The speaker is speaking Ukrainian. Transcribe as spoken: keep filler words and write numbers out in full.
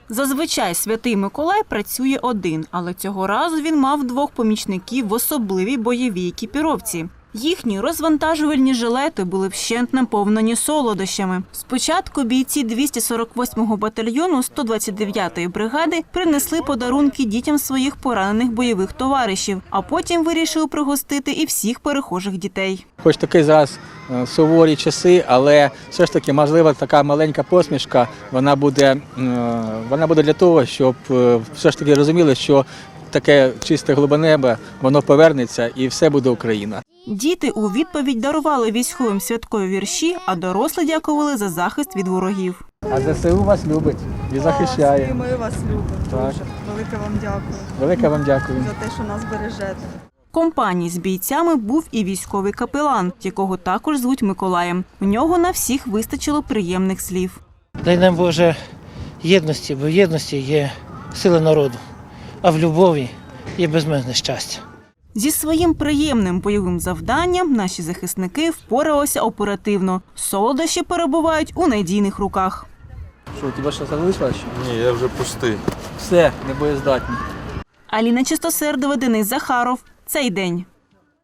Зазвичай Святий Миколай працює один, але цього разу він мав двох помічників в особливій бойовій екіпіровці. Їхні розвантажувальні жилети були вщент наповнені солодощами. Спочатку бійці двісті сорок восьмого батальйону сто двадцять дев'ятої бригади принесли подарунки дітям своїх поранених бойових товаришів, а потім вирішили пригостити і всіх перехожих дітей. Хоч таки зараз суворі часи, але все ж таки, можливо, така маленька посмішка, вона буде, вона буде для того, щоб все ж таки розуміли, що таке чисте голубе небо, воно повернеться і все буде Україна. Діти у відповідь дарували військовим святкові вірші, а дорослі дякували за захист від ворогів. А ЗСУ вас любить і захищає. І ми вас любимо Так. дуже. Велике вам дякую. Велике вам дякую. За те, що нас бережете. В компанії з бійцями був і військовий капелан, якого також звуть Миколаєм. У нього на всіх вистачило приємних слів. Дай нам, Боже, єдності, бо в єдності є сила народу, а в любові є безмежне щастя. Зі своїм приємним бойовим завданням наші захисники впоралися оперативно. Солодощі перебувають у надійних руках. Що, у тебе що залишилось? Ні, я вже пустий. Все, не боєздатні. Аліна Чистосердова, Денис Захаров. Цей день.